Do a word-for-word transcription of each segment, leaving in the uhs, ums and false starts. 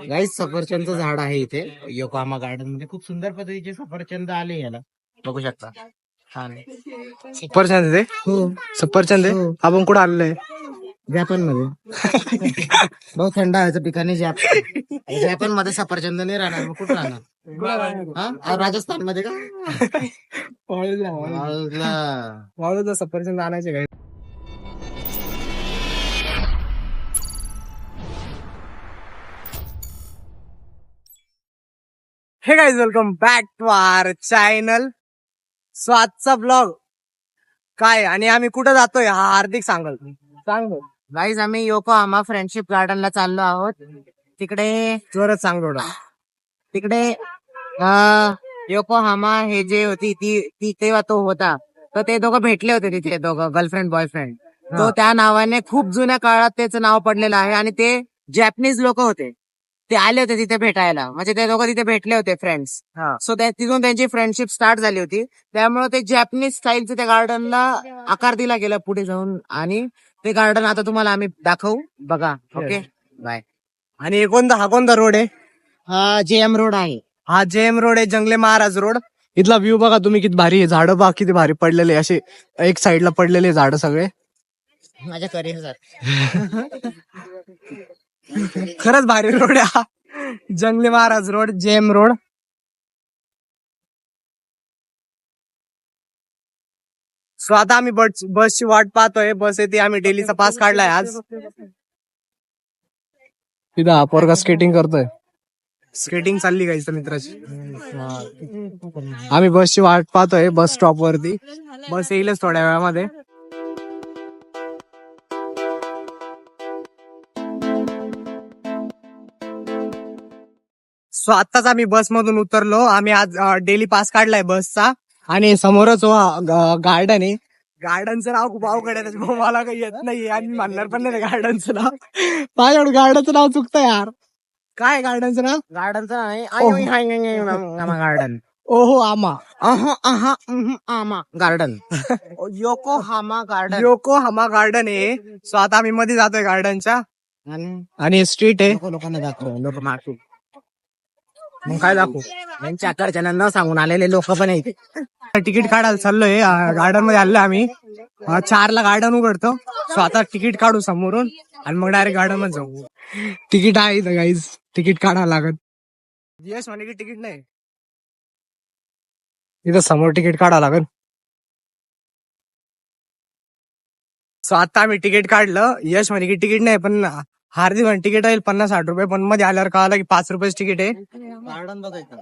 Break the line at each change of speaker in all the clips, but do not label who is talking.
गाईस सफरचंदचं झाड आहे इथे योकोहामा गार्डन मध्ये. खूप सुंदर पद्धतीचे सफरचंद आले याला, बघू शकता. छान आहे.
सफरचंद आहे.
हो,
सफरचंद आहे.
हो.
आपण कुठं आलोय?
जपान मध्ये. बहुत थंड हवेचं ठिकाणी जपान. जपान मध्ये सफरचंद नाही राहणार, मग कुठं राहणार? हा? राजस्थान मध्ये का?
वाळूला
वाळूला.
वाळूला सफरचंद आणायचे काय? Hey guys, welcome back to our channel. So आजचा ब्लॉग काय आणि आम्ही कुठं जातोय हा हार्दिक सांगल. सांग
गाईज आम्ही योकोहामा फ्रेंडशिप गार्डनला चाललो आहोत. तिकडे
जोरात सांग थोडं.
तिकडे अं, योकोहामा हे जे होती ती ती तेव्हा तो होता, तर ते दोघं भेटले होते तिथे, दोघं गर्लफ्रेंड बॉयफ्रेंड. तो त्या नावाने खूप जुन्या काळात त्याचं नाव पडलेलं आहे आणि ते जॅपनीज लोक होते, ते आले होते तिथे भेटायला. म्हणजे ते दोघं तिथे भेटले होते फ्रेंड्स. सो तिथून त्यांची फ्रेंडशिप स्टार्ट झाली होती. त्यामुळे ते जॅपनीज स्टाईलचं त्या गार्डनला आकार दिला गेला पुढे जाऊन, आणि ते गार्डन आता तुम्हाला आम्ही दाखवू, बघा. Okay, bye.
आणि हे कोणता हा कोणता रोड आहे?
हा जे एम रोड आहे.
हा जेम रोड आहे, जंगले महाराज रोड. इथला व्ह्यू बघा तुम्ही, किती भारी आहे. झाडं बघा किती भारी पडलेले, असे एक साइडला पडलेले झाड सगळे.
माझ्या करिअर
खरंच भारी रोड आहे हा, Jangli Maharaj road, J M road. So आता आम्ही बस बसची वाट पाहतोय. बस येते, आम्ही डेलीचा पास काढलाय आज. तिथं हा पोरगा स्केटिंग करतोय. स्केटिंग चालली गाईस मित्राची. आम्ही बसची वाट पाहतोय बस स्टॉप वरती. बस येईलच थोड्या वेळामध्ये. सो आताच आम्ही बस मधून उतरलो. आम्ही आज डेली पास काढलाय बसचा. आणि समोरच गार्डन आहे. गार्डनचं नाव खूप अवघड आहे, त्याच्यामुळे मला काही येत नाही आणि म्हणणार पण नाही गार्डनचं नाव. माझ्याकडे गार्डनचं नाव चुकतं यार. काय गार्डनचं नाव?
गार्डनचं आहे गार्डन.
ओहो आमा.
आमा garden. Yokohama garden.
Yokohama garden आहे. सो आता आम्ही मध्ये जातोय गार्डनच्या.
आणि
आणि स्ट्रीट आहे.
लोक लोकांना दाखव, लोक मागू.
मग काय दाखवू?
यांच्या आकडच्या न सांगून आलेले लोक पण आहेत.
तिकीट काढायला चाललोय. गार्डन मध्ये आलोय आम्ही. चारला गार्डन उघडतो. सो आता तिकीट काढू समोरून आणि मग डायरेक्ट गार्डन मध्ये जाऊ. तिकीट आहे इथं गाईज, तिकीट काढावं लागत. यश म्हणे की तिकीट नाही, इथं समोर तिकीट काढावं लागत. सो आता आम्ही तिकीट काढलं. यश म्हणे की तिकीट नाही, पण हार्दिक म्हणे तिकीट आहे पन्नास साठ रुपये. पण मध्ये आल्यावर कळालं की पाच रुपयाच तिकीट आहे.
गार्डन बघायचं.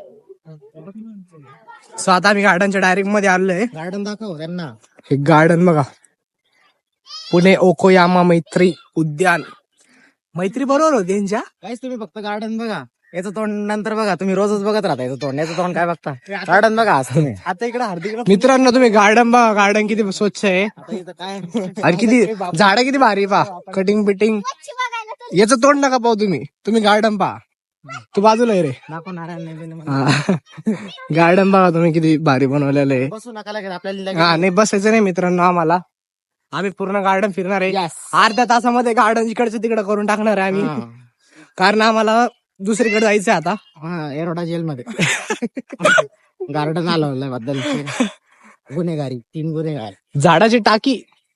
सो आता आम्ही गार्डनच्या डायरेक्ट मध्ये आलोय.
गार्डन दाखव त्यांना.
हे गार्डन बघा, पुणे ओकोयामा मैत्री उद्यान. मैत्री बरोबर होती यांच्या.
काहीच तुम्ही फक्त गार्डन बघा, याचं तोंड नंतर बघा. तुम्ही रोजच बघत राहता याचं तोंड, याचं तोंड काय बघता? गार्डन बघा आज तुम्ही.
आता इकडे हार्दिक मित्रांनो तुम्ही गार्डन बघा, गार्डन किती स्वच्छ आहे.
आता इथं काय
आणि किती झाडं किती भारी पा, कटिंग बिटिंग. याचं तोंड नका पाहू तुम्ही, तुम्ही गार्डन पहा. तू बाजूला आहे रे.
दाखव नारायण.
गार्डन बघा तुम्ही किती भारी बनवलेलं आहे.
बसू नका लागेल आपल्याला.
हा नाही बसायचं नाही मित्रांनो आम्हाला. आम्ही पूर्ण गार्डन फिरणार आहे. अर्ध्या तासामध्ये गार्डन इकडचं तिकडं करून टाकणार आहे आम्ही, कारण आम्हाला दुसरीकडे जायचंय आता.
हा, एरोडा जेल मध्ये गार्डन आलं बद्दल गुन्हेगारी, तीन गुन्हेगार.
झाडाची टाकी,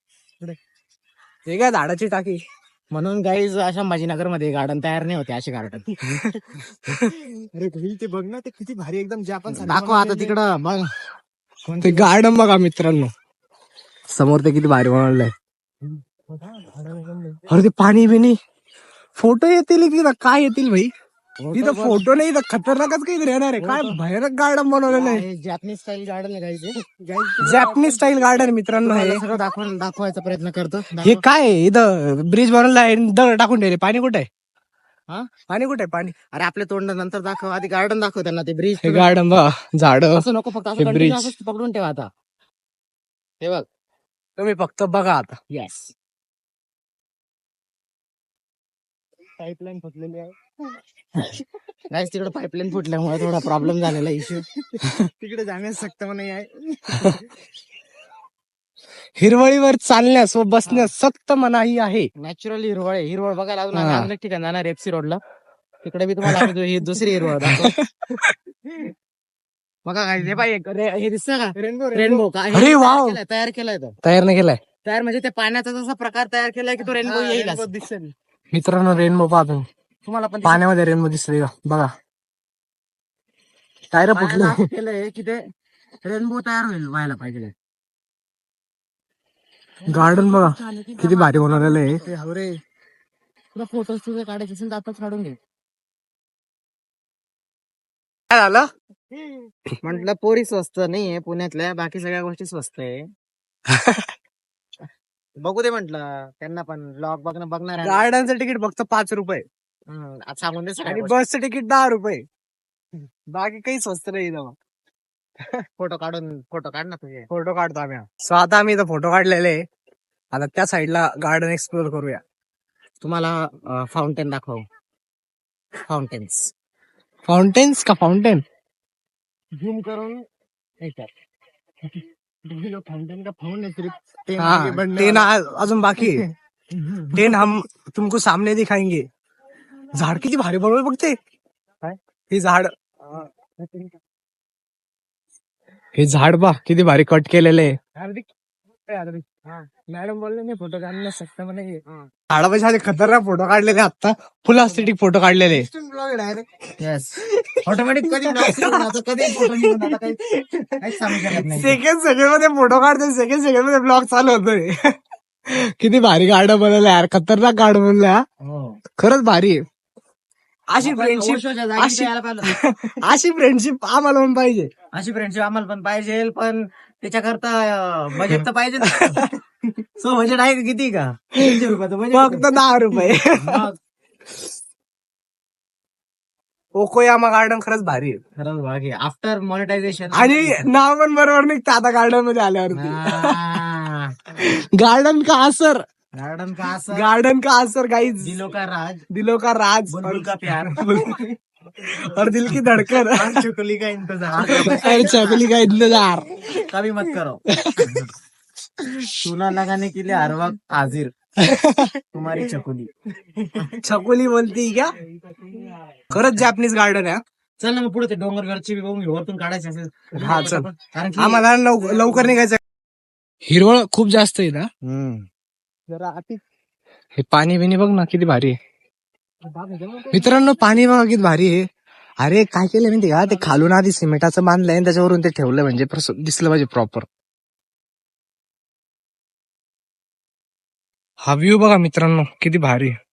हे काय झाडाची टाकी.
म्हणून गाईज अशा संभाजीनगर मध्ये गार्डन तयार नाही होते असे गार्डन.
अरे ते बघ ना, ते किती भारी एकदम. जे आपण
दाखव आता तिकडं बघ
ते गार्डन बघा मित्रांनो, समोर ते किती भारी बनवलंय. अरे ते पाणी बिनी, फोटो येतील तिथं, काय येतील भाई तिथं? फोटो नाही, इथं खतरनाकच काही राहणार आहे. काय भयानक गार्डन बनवलेलं आहे.
जॅपनीज स्टाईल गार्डन आहे गाईज.
जॅपनीज स्टाईल गार्डन मित्रांनो हे.
सगळं दाखवून दाखवायचा प्रयत्न करतो.
हे काय आहे? इथं ब्रिज बनवला आहे, दगड टाकून ठेवले. पाणी कुठे आहे?
हा,
पाणी कुठे आहे? पाणी
अरे आपले तोंड नंतर दाखव, आधी गार्डन दाखव त्यांना. ते ब्रिज
हे गार्डन बघा, झाड,
असं नको, फक्त असं
ब्रिज
continue असंच पकडून ठेवा. आता हे बघ,
तुम्ही फक्त बघा आता.
येस.
पाईपलाईन फुटलेली आहे.
नाही, तिकडे पाईपलाईन फुटल्यामुळे थोडा प्रॉब्लेम झालेला इश्यू.
तिकडे जाण्यास सक्त मनाई आहे. हिरवळीवर चालण्यास व बसण्यास सक्त मनाई आहे.
नॅचरली हिरवळ आहे. हिरवळ बघायला अजून आम्ही अजून एक ठिकाणी जाणार, एफसी रोडला. तिकडे बी तुम्हाला आम्ही ही दुसरी हिरवा दाखव. बघा काय हे पाहिजे रे- हे दिसतं का
रेनबो
रेनबो का हे
अरे
तयार
वाव.
केलंय, तयार केलाय तो
तयार नाही केलाय
तयार म्हणजे ते पाण्याचा जसा प्रकार तयार केलाय की तो रेनबो येईल असं.
दिसेल. मित्रांनो रेनबो पाहतो
तुम्हाला पण
पाण्यामध्ये रेनबो दिसतोय का बघा. टायर फुटले.
पाण्याला केलंय की ते रेनबो तयार होईल व्हायला पाहिजे.
गार्डन बघा किती भारी बनवलेलं आहे.
ते हवरे तुला फोटोज तुझे काढायचे असेल तर आताच काढून घे.
काय झालं?
म्हटलं पोरी स्वस्त नाहीये पुण्यातल्या, बाकी सगळ्या गोष्टी स्वस्त आहे. बघू दे म्हंटल त्यांना पण ब्लॉग बघणं बघणार आहे.
गार्डनचं तिकीट फक्त पाच रुपये
हम्म, आज सांगून दे
आणि
सगळ्या गोष्टी.
बसचं तिकीट दहा रुपये. बाकी काही स्वस्त नाही इथं.
फोटो काढून फोटो काढ ना तुझे.
फोटो काढतो आम्ही. सो आता आम्ही इथं फोटो काढलेले आहे. आता त्या साईडला गार्डन एक्सप्लोर करूया.
तुम्हाला फाउंटेन दाखव. फाउंटेन्स
फाउंटेन्स का फाउंटेन?
झूम करून फाउंटेन का फाउंटेन
हाँ टेन आ- अजून बाकी आहे. टेन हम तुमको सामने दिखाएंगे. झाड किती भारी बनवलं बघते. हे झाड हे झाड बा किती भारी कट केलेले आहे. मॅडम बोलले नाही फोटो काढू शकता म्हणे. झाडापाशी आले खतरनाक फोटो काढलेले आता. फुल अस्थेटिक फोटो काढलेले.
येस ऑटोमॅटिक कधी vlog सुरू होणार, आता कधी फोटो निघून आता काही काहीच सांगू शकत नाही.
सेकंड सेकंड मध्ये फोटो काढते. सेकंड सेकंड मध्ये ब्लॉग चालू होतोय. किती भारी गार्डन बनवलं यार. खतरनाक गार्डन बनवलं.
हो.
खरंच भारी आहे. अशी
आपण
फ्रेंडशिप
ओशोच्या जागी
अशी-
यायला पाहिलं.
अशी फ्रेंडशिप आम्हाला पण पाहिजे.
अशी फ्रेंडशिप आम्हाला पण पाहिजे, पण त्याच्याकरता बजेट तर पाहिजे ना. सो बजेट आहे का किती का तीनशे रुपयाचं
फक्त
बजेट.
दहा रुपये. ओकोयामा गार्डन खरंच भारी आहे.
खरंच बाकी आफ्टर मॉनिटायझेशन
आणि नाव पण बरोबर निघतं आता गार्डन मध्ये आल्यावरती. गार्डन का असर.
गार्डन का असं
गार्डन का असर गाइस.
दिलो का राज
दिलो का राज
बुलबुल का प्यार
और दिल की धड़कन
और चुकली का इंतजार
और चकली का इंतजार.
कभी मत करो. चूना लगाने के लिए हर वक्त हाजिर तुम्हारी चकुली.
चकोली बोलती क्या. खरंच जॅपनीज गार्डन आहे.
चल ना मग पुढे ते डोंगरगडची बी बघून घेऊ, वरतून काढायचे असेल.
हा चल.
कारण की
आम्हाला लव- लवकर निघायचं. हिरवळ खूप जास्त आहे ना. जरा आती हे पाणी बिनी बघ ना किती भारी आहे. मित्रांनो पाणी बघा किती भारी आहे. अरे काय केलं माहिती का ते खालून आधी सिमेंटाचं बांधलंय आणि त्याच्यावरून ते ठेवलं म्हणजे प्रस- दिसलं पाहिजे प्रॉपर. हा व्ह्यू बघा मित्रांनो किती भारी आहे.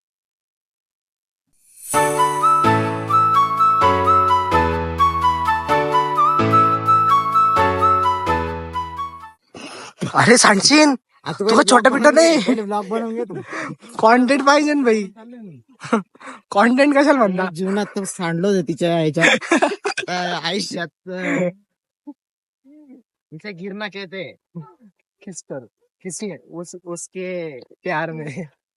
अरे सांगशील तुला छोटा पिटा नाही.
ब्लॉग बनवून घे तू.
कॉन्टेंट पाहिजे ना भाई. कॉन्टेंट कशाला म्हणता.
जीवनात तर सांडलो होतं तिच्या ह्याच्यात अं, आयुष्यात अं, तिचा गिरणा कहते
किस पर किसने उस उसके प्यार में.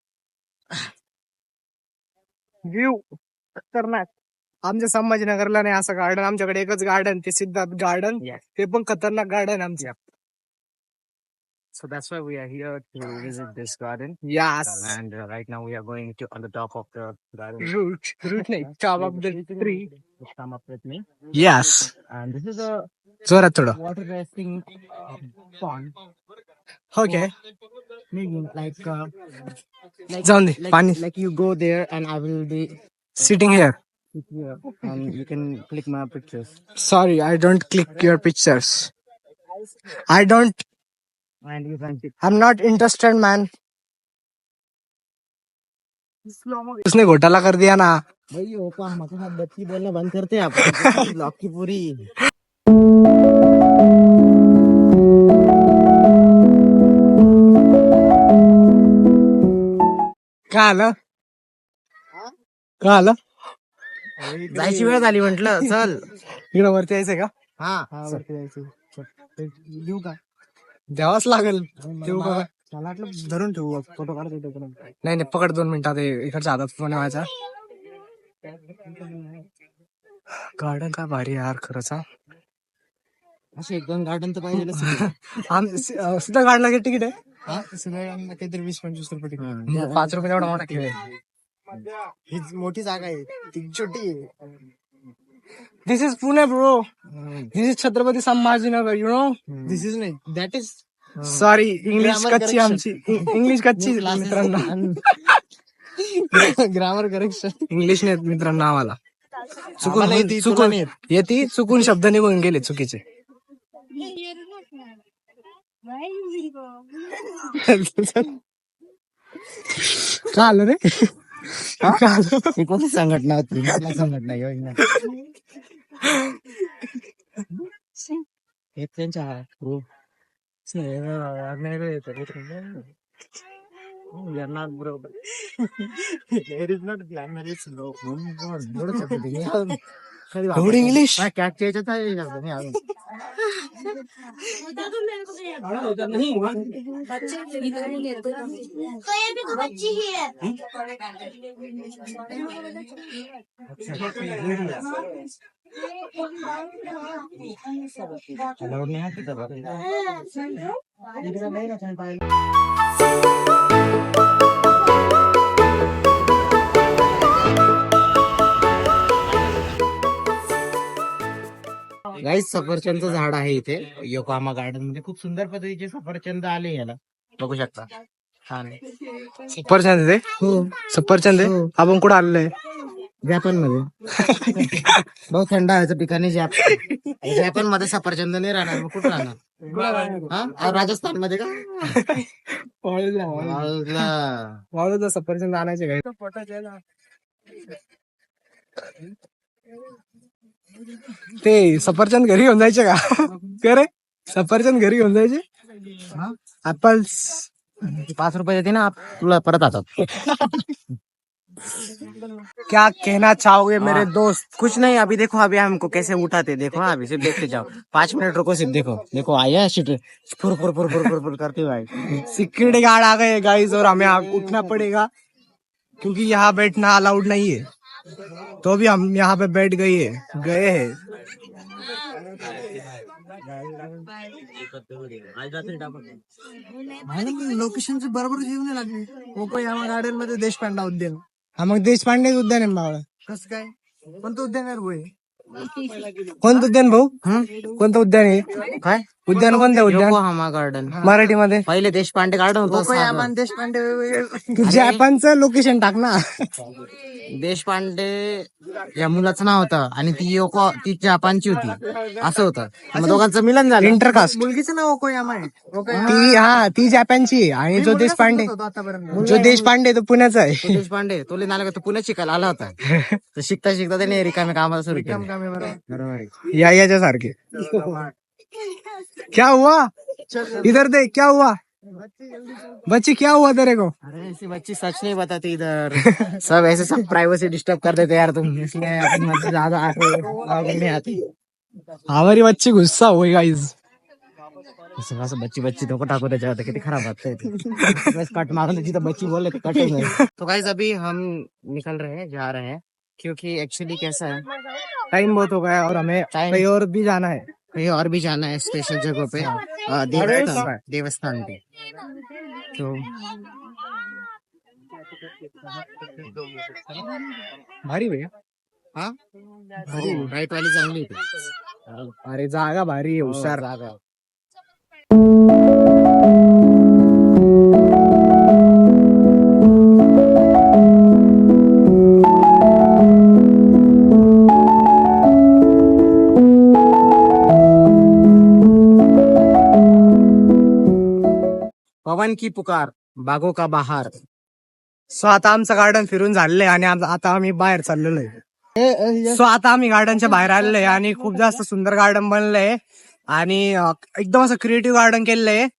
व्ह्यू खतरनाक. आमच्या संभाजीनगरला नाही असं गार्डन. आमच्याकडे एकच गार्डन ते सिद्धार्थ गार्डन.
Yes.
ते पण खतरनाक गार्डन आमच्या.
So that's why we are here to visit this garden.
यास
And uh, right now we are going to on the top of the garden.
Root root नाही top of the tree.
Just come up with me.
यास
And this is a
जोरात थोडं.
water resting uh, pond.
Okay
Meaning like uh, like,
जाऊन दे
like,
पाणी.
like you go there and I will be
sitting here.
here and you can click my pictures.
Sorry I don't click your pictures. I don't.
And you can pick.
I am not interested man. उसने घोटाला कर दिया ना.
भाई ओपा हमारे साथ बच्ची बोलना बंद करते हैं आप. ब्लॉग की पूरी
काय आलं काय आलं.
जायची वेळ झाली म्हंटल. चल
इकडे वरती यायचंय का.
हा
वरती यायचं. देऊ का. द्यावाच लागेल. देऊ का.
मला वाटलं धरून ठेवू फोटो काढतो.
नाही नाही पकड दोन मिनिटात हे इकडच्या हातात फोन व्हायचा. गार्डन काय भारी आहे यार खरंच. हा.
असे एक दोन गार्डन तर पाहिजे.
आम सुद्धा गाडला किती तिकीट आहे.
काहीतरी वीस पंचवीस रुपये
मग पाच रुपये एवढा मोठा खेळ आहे. ही मोठी जागा आहे ती छोटी आहे. This is Pune bro. This is Chhatrapati Sambhajinagar. You know this is नाही.
That is
sorry English
Grammar
कच्ची आमची. इंग्लिश कच्ची आहे मित्रांनो.
Grammar correction.
इंग्लिश नाही मित्रांनो आम्हाला. चुकून
आम्हाला येते, तुला
चुकून
नाही येत.
येते चुकून शब्द निघून गेले चुकीचे. का आलं रे? का आलं?
ही कोणती संघटना होती? कुठली संघटना योजना? हे त्यांच्या group. We are not broke. There is not glamour, it's low. एवढं शब्द ते मी कधी वापरतो.
एवढं इंग्लिश?
हा, catch याच्यात आहे शब्द मी अजून.
बच्ची ही है.
Allowed नाही आहे तिथं बरं. इकडं नाही ना छान पाहिलं. गाईस सफरचंदचं झाड आहे इथे योकोहामा गार्डन मध्ये. खूप सुंदर पद्धतीचे सफरचंद आले याला, बघू शकता. छान आहे.
सफरचंद आहे.
हो,
सफरचंद आहे.
हो.
आपण कुठं आलेलो आहे?
जपान मध्ये. बहुत थंड हवेचं ठिकाणी जपान. जपान मध्ये सफरचंद नाही राहणार, मग कुठं राहणार? हा, राजस्थान मध्ये का?
वाळूला
वाळूला.
वाळूला सफरचंद आणायचे काय? ते सफरचंद घरी घेऊन जायचे का? का रे सफरचंद घरी घेऊन जायचे? ऍपल्स
पाच रुपये देते ना, तुला परत आता.
क्या कहना चाहोगे मेरे दोस्त?
कुछ नहीं, अभी देखो अभी हमको कैसे उठाते, देखो अभी सिर्फ देखते जाओ. पांच मिनट रुको, सिर्फ देखो. देखो आया शिट फुर फुर फुर फुर फुर फुर करते हुए आए.
सिक्योरिटी गार्ड आ गए गाइस और हमें अब उठना पड़ेगा क्योंकि यहाँ बैठना अलाउड नहीं है. तो भी हम यहाँ पे बैठ गए हैं गए हैं.
लोकेशनची बरोबर जेवण लागली.
कोकोयामा गार्डन मध्ये देशपांडे उद्यान. हा मग देशपांडे उद्यान आहे बाबा.
कसं काय? कोणतं उद्यान आहे रे भाऊ?
कोणतं उद्यान भाऊ?
हं?
कोणतं उद्यान आहे?
काय
उद्यान कोणतं उद्यान?
Yokohama garden.
मराठीमध्ये
पहिले देशपांडे गार्डन होतं.
कोकोयामा
साधं.
तू जपानचं लोकेशन टाक ना.
देशपांडे या मुलाचं नाव होतं आणि ती योको ती जपानची होती, असं होतं. मग दोघांचं मिलन झालं.
इंटरकास्ट.
मुलगीचं नाव कोयामा आहे.
ती हा ती जपानची आहे आणि जो देशपांडे जो देशपांडे तो पुण्याचा आहे.
तो देशपांडे तो नाला तो पुण्यात शिकायला आला होता. तर शिकता शिकता त्याने रिकामे कामाला सुरू केलं. बरोबर आहे.
या याच्या सारखे. क्या हुआ? इधर दे. क्या हुआ बच्ची? क्या हुआ तेरे को?
अरे ऐसी बच्ची सच नहीं बताती इधर. सब ऐसे सब प्राइवेसी डिस्टर्ब कर देते यार तुम, इसलिए अपन मतलब ज्यादा आगे आगे नहीं आती.
हमारी बच्ची गुस्सा हुई गाइस.
असं असं बच्ची बच्ची धोका टाकू त्याच्यावर, किती खराब बात है. बस कट मारून देती तो बच्ची बोल रहे कट में. तो गाइस अभी हम निकल रहे हैं, जा रहे हैं, क्योंकि एक्चुअली कैसा है,
टाइम बहुत हो गया और हमें
Time-
कहीं और भी जाना है.
कहीं और भी जाना है स्पेशल जगह पे, अ, देवस्थान देवस्थान पे. तो
भारी भैया.
हाँ हो, राईट वाली चांगली होती.
अरे जागा भारी आहे. हुशार.
जागा. पवन की पुकार, बागों का बहार.
सो आता आमचं गार्डन फिरून झालेलं आहे आणि आम- आता आम्ही बाहेर चाललेलो आहे. सो आता आम्ही गार्डनच्या बाहेर आलेलो आहे आणि खूप जास्त सुंदर गार्डन बनलंय आणि अं, एकदम असं क्रिएटिव्ह गार्डन केलेलं आहे.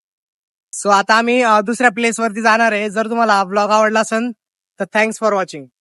सो आता आम्ही अं, दुसऱ्या प्लेस वरती जाणार आहे. जर तुम्हाला हा ब्लॉग आवडला असेल तर थँक्स फॉर वॉचिंग.